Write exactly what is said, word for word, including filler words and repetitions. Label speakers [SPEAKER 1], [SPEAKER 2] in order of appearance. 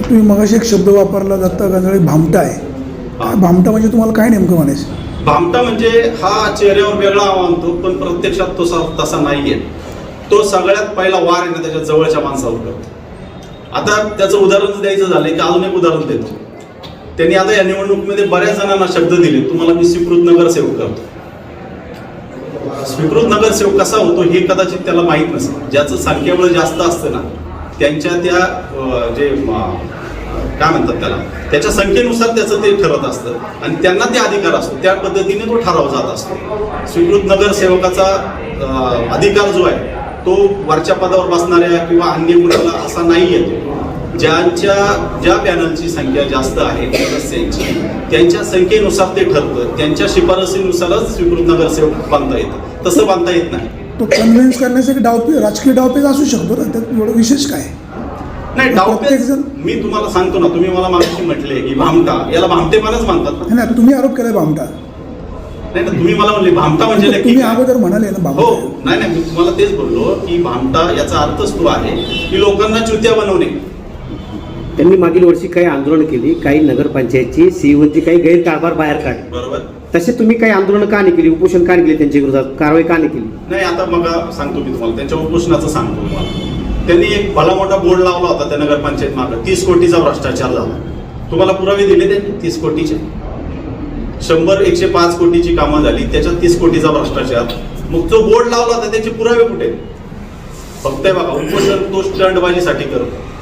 [SPEAKER 1] तुम्ही मगाशी एक शब्द वापरला दत्ता गांजाळे, भामटा आहे. काय भामटा म्हणजे तुम्हाला काय नेमकं म्हणायचं?
[SPEAKER 2] भामटा म्हणजे हा चेहऱ्यावर वेगळा मानतो, पण प्रत्यक्षात तो तसा नाहीये. तो सगळ्यात पहिला वार आहे ना त्याच्या जवळच्या माणसावर करतो. आता त्याचं उदाहरण द्यायचं झालं की अजून एक उदाहरण देतो. त्यांनी आता या निवडणुकीमध्ये बऱ्याच जणांना शब्द दिले, तुम्हाला मी स्वीकृत नगरसेवक करतो. स्वीकृत नगरसेवक कसा होतो हे कदाचित त्याला माहीत नसेल. ज्याचं संख्याबळ जास्त असतं ना त्यांच्या त्या जे काय म्हणतात त्याला त्याच्या संख्येनुसार त्याचं ते ठरत असतं आणि त्यांना ते अधिकार असतो, त्या पद्धतीने तो ठराव जात असतो. स्वीकृत नगरसेवकाचा अधिकार जो आहे तो वरच्या पदावर बसणाऱ्या किंवा अन्य कुणाला असा नाही येतो. ज्यांच्या ज्या पॅनलची संख्या जास्त आहे सदस्यांची त्यांच्या संख्येनुसार ते ठरतं, त्यांच्या शिफारसीनुसारच स्वीकृत नगरसेवक बांधता येतं. तसं बांधता येत नाही.
[SPEAKER 1] तो कन्व्हिन्स करण्यासाठी डावपे राजकीय डावपेच असू शकतो ना, त्यात एवढं विशेष काय
[SPEAKER 2] नाही. डावपेच मी तुम्हाला सांगतो ना, तुम्ही मला मागाशी म्हटले की भामटा, याला भामटेपणाच म्हणतात ना.
[SPEAKER 1] नाही, तुम्ही आरोप केलाय भामटा.
[SPEAKER 2] नाही ना, तुम्ही मला म्हणले भामटा म्हणजे
[SPEAKER 1] तुम्ही अगोदर म्हणाले ना भामटा.
[SPEAKER 2] हो नाही नाही, मी तुम्हाला तेच बोललो की भामटा याचा अर्थच तो आहे की लोकांना चुत्या बनवणे.
[SPEAKER 3] त्यांनी मागील वर्षी काही आंदोलन केली, काही नगरपंचायतची सीईओची काही गैरकारभार बाहेर काढले.
[SPEAKER 2] बरोबर.
[SPEAKER 3] तसे तुम्ही काही आंदोलन का नाही केली, उपोषण का नाही केली, त्यांच्या विरोधात कारवाई का नाही केली?
[SPEAKER 2] नाही, आता मग सांगतो मी तुम्हाला त्यांच्या उपोषणाचं सांगतो तुम्हाला. त्यांनी एक भला मोठा बोर्ड लावला होता त्या नगरपंचायत मागं, तीस कोटीचा भ्रष्टाचार झाला. तुम्हाला पुरावे दिले त्यांनी तीस कोटीचे. शंभर एकशे पाच कोटीची कामं झाली, त्याच्यात तीस कोटीचा भ्रष्टाचार. मग जो बोर्ड लावला होता त्याचे पुरावे कुठे? फक्त बघा उपोषण तो स्टंटबाजीसाठी करतो.